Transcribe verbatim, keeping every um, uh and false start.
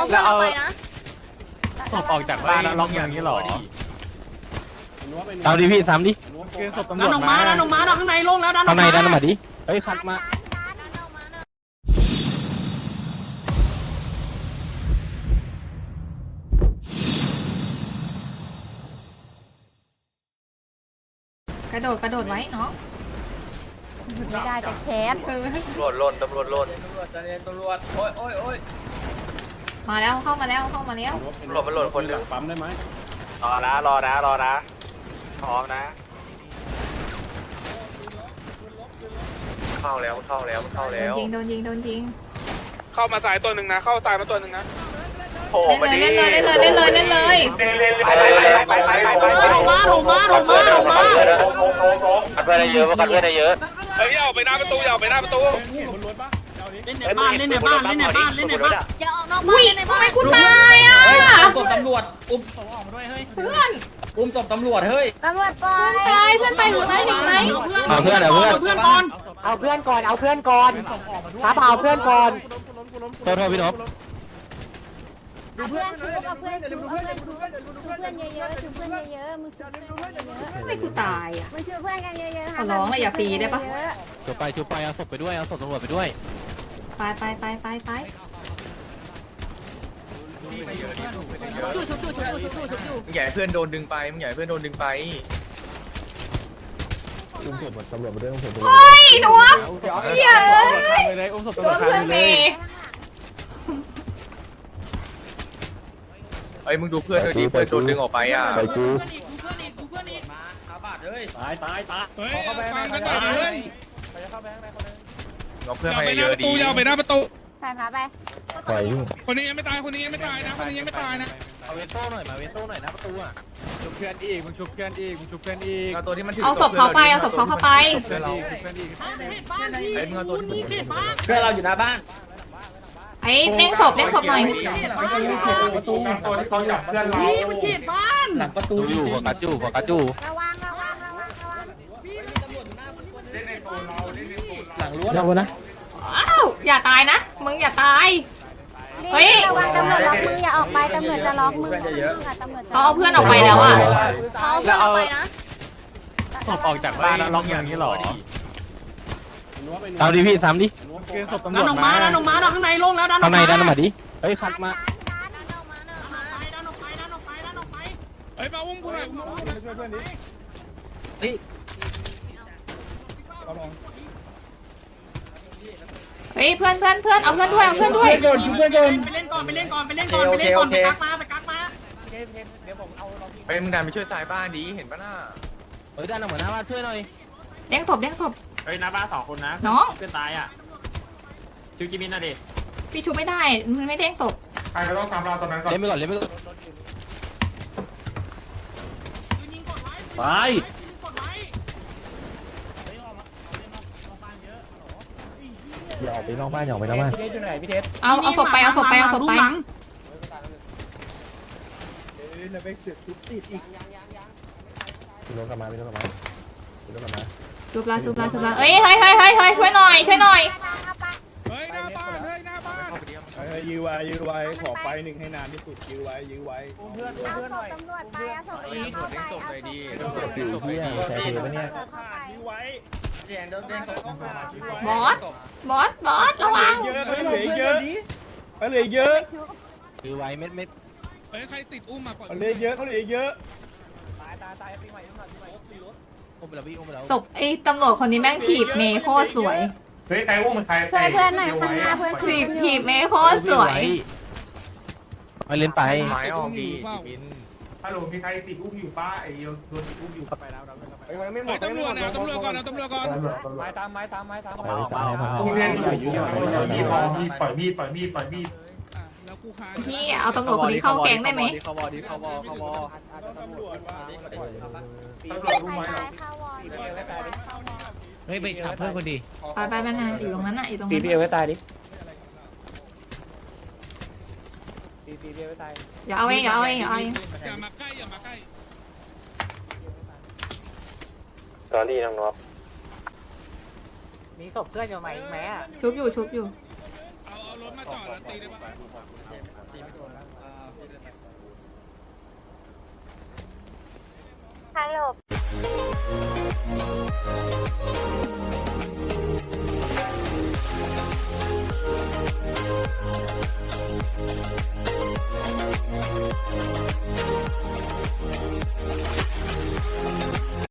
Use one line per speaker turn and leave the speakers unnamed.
เอาเพื่อนเราไปนะ
ศพออกจากบ้านแล้วล็อกอย่างนี้หรอ
เอาดิพี่ซ้ำดิ
เกินศพตำร
ดั
วน จ
ออกมาดันออกมาดันข้างในลงแล้วดันออก
ข้างใน
มา
ดันมาดิเฮ้ยคัดมา
กระโดดกระโดดไว้เนาะไม่ได้แต่แคส
ตำรวจล่นตำรวจล่น
ตำรวจจะเรียนตำรวจโอ้ยโอ้ยโอ้ย
มาแล้วเข้ามาแล้วเข้ามาแล้ว
ตำรวจมันหล่นคนหนึ่ง
ปั๊มได้ไหม
รอนะรอนะรอนะพร้อมนะเข้าแล้วเข้าแล้วเข้า
โด
แล้
น
ว
ยิงโดนยิงโดนยิง
เข้ามาสายตัวหนึ่งนะเข้าตายมาตัวหนึ่งนะ
โผล่มาดิ
เล่นเลยเล่นเลยเล่นเลยเล่นเลย
ไปไปไปไปไป
ลงมาลงมาลงมาลงมา
กันเพื่อนได้เยอะกันเพื่อนได้เยอะ
เฮ้ยเอาไปหน้าประตูอย่าไปหน้าประตู
เล่นในบ้านเล่นในบ้านเล่นในบ้านเล่นในบ้าน
อย่าออกนอกบ้านในบ้านทำไมกูตายอ่ะ
ศพตำรวจอุ้ม
ศพออกมาด้วยเฮ้ย
เพื่อน
อุ้มศพตำรวจเฮ้ย
ตำรวจปล่อยตายเพื่อนตายหัวตายเห็นไหม
เอาเพื่อนเอาเพื่อน
เพื่อนก่อน
เอาเพื่อนก่อน เอาเพื่อนก่อนครับเอาเพื่อนก่อน
โทษโทษพี่นพ
เอาเพื่อนชุบเอาเพื่อนชุบเอาเพื่อนชุบชุบเพื่อนเยอะๆชุบเพื่อนเยอะๆมึงชุบเพื่อนเยอะๆทำไมกูตายอ่ะมึงชุบเพื่อนกันเยอะๆขอร้องเลยอย่าฟรีได้ปะ
จุบไปจุบไปเอาศพไปด้วยเอาศพตำรวจไปด้วย
ไปไปไปไปไป
ชุบชุบชุบชุบชุบชุบชุบชุบ
มึงใหญ่เพื่อนโดนดึงไปมึงใหญ่เพื่อนโดนดึงไป
เฮ้ยหนูเยอะ
ไปเลยอุ้มศพ
โด
ตำรวจ
นเพื่อน
ไป
เม
เลย
ย์
เอ้ยมึงดูเพื่อนด้วยดิเพื่อนโดนดึงออกไปอ่ะ
ไปกู
เพื่อนอีกเพื่อนอีกเพื่อนอีก
มาขาบาดเฮ้ย
ตายตายตาย
เฮ้ยฟังกันหน่อยเฮ้ย
เอาเพื่อน
อย่า
มา
ไปห
เย
น้า
อะ
ประ
ดี
ตูอย่าไปหน้าประตู
พาพาไป
ปล่อยยุ่ง
คนนี้ยังไม่ตายคนนี้ยังไม่ตายนะคนนี้ยังไม่ตายนะ
เอาเวนโต้หน่อยมาเวนโต้หน่อยนะประตูอ่ะ
ชุบเพื่อนอีกมึงชุบเพื่อนอีกมึงชุบเพื่อนอีก
เอาตัวที่มันถื
เอาศพเขาไปเอาศพเขาเข้าไป
เพื่อนเรา
ชุบเพื่อนอีก
บ้านเขตบ้านที่นี่เขตบ้าน
เพื่อนเราอยู่หน้าบ้าน
ไอ้เด้งศพเด้งศพหน่อย
ประตูตัวที่เขาจับเพื่อนเรา
นี่มันเขตบ้าน
หลังประตู
ดูอยู่โฟกัสอยู่โฟกัสอยู่
ระวังระวังระวังระวัง
หลังรั้ว
ยาวนะ
อ้าวอย่าตายนะมึงอย่าตายเฮ้ย
ระวังตำรวจล็อกมืออย่าออกไปตำรวจจะล็อกมือตำรวจ
เขาเอาเพื่อนออกไปแล้วอ่ะเขาเอาเพื่อนออกไปนะ
ศพออกจากบ้านแล้วล็อกอย่างนี้หรอ
เอาดิพี่ซ้ำดิ
เกินศพตำร
ดั
วน จ
ออกมาดันออกมาดันข้างในลงแล้วดันออก
ข้างใน
มา
ดันมาดิเฮ้ยคัดมา
ดันออกไปดันออกไปดันออกไป
เฮ้ยมาอุ้มกูหน่อยอุ้มกูหน่อย
ช่วยเพื่อนดิ
เฮ้ยเพื่อนเพื่อนเพื่อนเอาเพื่อนด้วยเอาเพื่อนด้วย
ไปเล่นก่อนไปเล่นก่อนไปเล่นก่อนไปเล่นก่อนไปกักมาไปกักมา
ไปมึงดันไปช่วยตายบ้านดีเห็นปะหน้า
เฮ้ยดันออกมาหน้าบ้านช่วยหน่อย
เด้งศพเด้งศพ
เฮ้ยหน้าบ้านสองคนนะ
น้อง
เพื่อนตายอ่ะชิวจิมินนะเด็ก
พี่ชูไม่ได้มันไม่เด้งศพ
ใครก็ต้องตามเราตอนนั้นก่อน
เล่นไปก่อนเล่นไปก่อน
ยิงกดไว้
ไป
กดไว้
อย่าออกไปนอกบ้านอย่าออกไปนอกบ้าน
เอาเอาศพไปเอาศพไปเอาศพไป
พี่รถกลับมาพี่รถกลับมาพี่รถกลับมา
ชุบลาชุบลาชุบลาเอ้ยเฮ้ยเฮ้ยเฮ้ยเฮ้ยช่วยหน่อยช่วยหน่อย
เฮ้ยหน้าบ้านเฮ้ยหน้าบ้าน
ยื้อไว้ยื้อไว้ขอไฟหนึ่งให้นานที่สุดยื้อไว้ยื้อไว้
เพื่อนเพื่อนหน่อยตำรวจไปเอาศพ
เฮ้ยตรวจเด้งศพหน่อยดี
เอา
ตรวจเด้งศพหน่อยดี
ใช่ถือปะเนี่ย
เข้าไป
ยื้อไว้
แจงโดนเด้งศพ
บอสบอสบอสระวัง
เยอะเขาเหลือเยอะเขาเหลือเยอะ
ถือไว้เม็ดเม็ด
เฮ้ยใครติดอุ้มมาปล่อย
เขาเหลือเยอะเขาเหลือเยอะ
อุ้มไปแล้วพี่อุ้มไปแล้ว
ศพไอ้ตำรวจคนนี้แม่งถีบเมย์โคตรสวย
เฮ้ยใครอุ้มมันใคร
ช่วยเพื่อนหน่อยข้างหน้าเพื่อน
ถีบถีบเมย์โคตรสวย
ไปเล่นไป
ไม้ออกดีบิน
ฮัลโหลมีใครติดอุ้มอยู่ป้าไอ้โดนติดอุ้มอยู่ไปแล้วไปแล้ว
เฮ้ยตำรวจนะตำรวจก่อนนะตำรวจก่อน
ไม้ตามไม้ตามไม้ตาม
เอาเอาเอา
อุ้มเรียนอยู่อยู่อยู่มีดปล่อยมีดปล่อยมีดปล่อยมีด
อ่ะแล้วกูค้าง
พี่เอาตำรวจคนนี้เข้าแก๊งได้ไหม
เขาบอดีเขาบอเขาบอ
ตำรวจว่า
ใค
ตำร
ร
วจรู้ไหม
ตายเข้าวอร์ด
เฮ้ยไปถามเพื่อนคนดี
ไปไปไปนะอยู่ตรงนั้นน่ะอยู่ตรง
ตี
นั้น
พี่เอไว้ตายดิ
ตีตีเดียวตาย
อย่าเอาเองอย่าเอาเองอย่าเอาเอง
อย่ามาใกล้อย่ามาใกล้
ตอนนี้น้องนพ
มีศพเพื่อนอยู่ไหมอีกไหมอ่ะ
ชุบอยู่ชุบอยู่
เอาเอารถมาจอดแล้วตีได้ปะ
ฮัลโหล